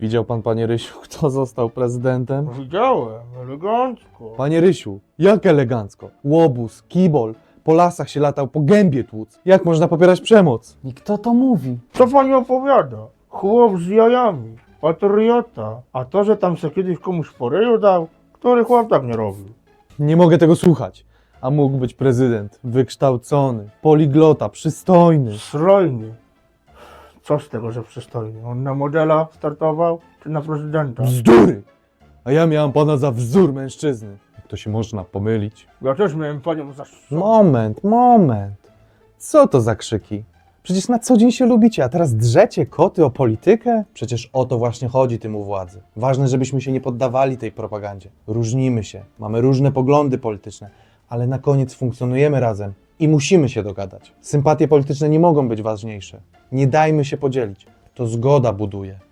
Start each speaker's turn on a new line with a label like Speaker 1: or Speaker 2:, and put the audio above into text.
Speaker 1: Widział pan, panie Rysiu, kto został prezydentem?
Speaker 2: Widziałem, elegancko.
Speaker 1: Panie Rysiu, jak elegancko. Łobuz, kibol, po lasach się latał, po gębie tłuc. Jak można popierać przemoc?
Speaker 3: I kto to mówi?
Speaker 2: Co pani opowiada? Chłop z jajami, patriota. A to, że tam se kiedyś komuś po ryju dał, który chłop tak nie robił.
Speaker 1: Nie mogę tego słuchać. A mógł być prezydent, wykształcony, poliglota, przystojny.
Speaker 2: Strojny. Co z tego, że przystojny? On na modela startował, czy na prezydenta?
Speaker 1: Bzdury! A ja miałam pana za wzór mężczyzny. Jak to się można pomylić?
Speaker 2: Ja też miałem panią za...
Speaker 1: Moment. Co to za krzyki? Przecież na co dzień się lubicie, a teraz drzecie koty o politykę? Przecież o to właśnie chodzi tym u władzy. Ważne, żebyśmy się nie poddawali tej propagandzie. Różnimy się, mamy różne poglądy polityczne, ale na koniec funkcjonujemy razem i musimy się dogadać. Sympatie polityczne nie mogą być ważniejsze. Nie dajmy się podzielić. To zgoda buduje.